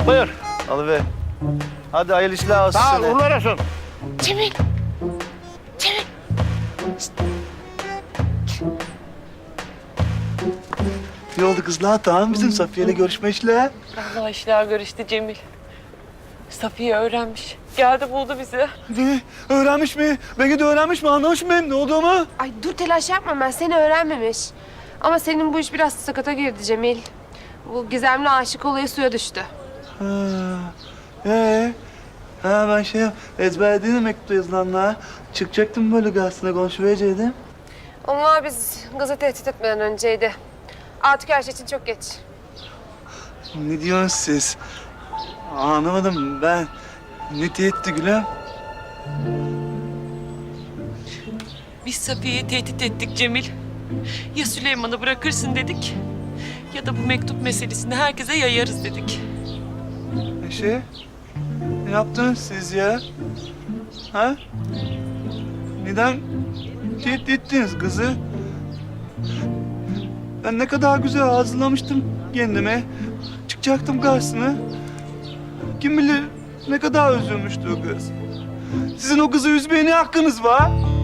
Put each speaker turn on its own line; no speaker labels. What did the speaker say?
Buyur.
Alıver. Hadi hayırlı işler olsun
Sağ ol,
sana.
uğurlar olsun.
Cemil. Cemil.
Ne oldu kızlar? Tamam bizim Safiye'yle görüşme işler.
Allah işler görüştü Cemil. Safiye öğrenmiş. Geldi buldu bizi.
Ne? Öğrenmiş mi? Beni de öğrenmiş mi? Anlamış mı benim ne olduğumu?
Ay dur telaş yapma, ben seni öğrenmemiş. Ama senin bu iş biraz sakata girdi Cemil. Bu gizemli aşık olayı suya düştü.
Ha. Ha ben ezberlediğim mektupta yazılanlar. Çıkacaktım böyle gazetine konuşuverecektim.
Onlar biz kızı tehdit etmeden önceydi. Artık her şey için çok geç.
Ne diyorsunuz siz? Anlamadım ben. Ne tehdit gülüm?
Biz Safiye'yi tehdit ettik Cemil. Ya Süleyman'ı bırakırsın dedik. Ya da bu mektup meselesini herkese yayarız dedik.
Ne yaptınız siz ya? Ha? Neden tehdit ettiniz kızı? Ben ne kadar güzel hazırlamıştım kendime. Çıkacaktım karşısına. Kim bilir ne kadar üzülmüştü o kız. Sizin o kızı üzmeye ne hakkınız var?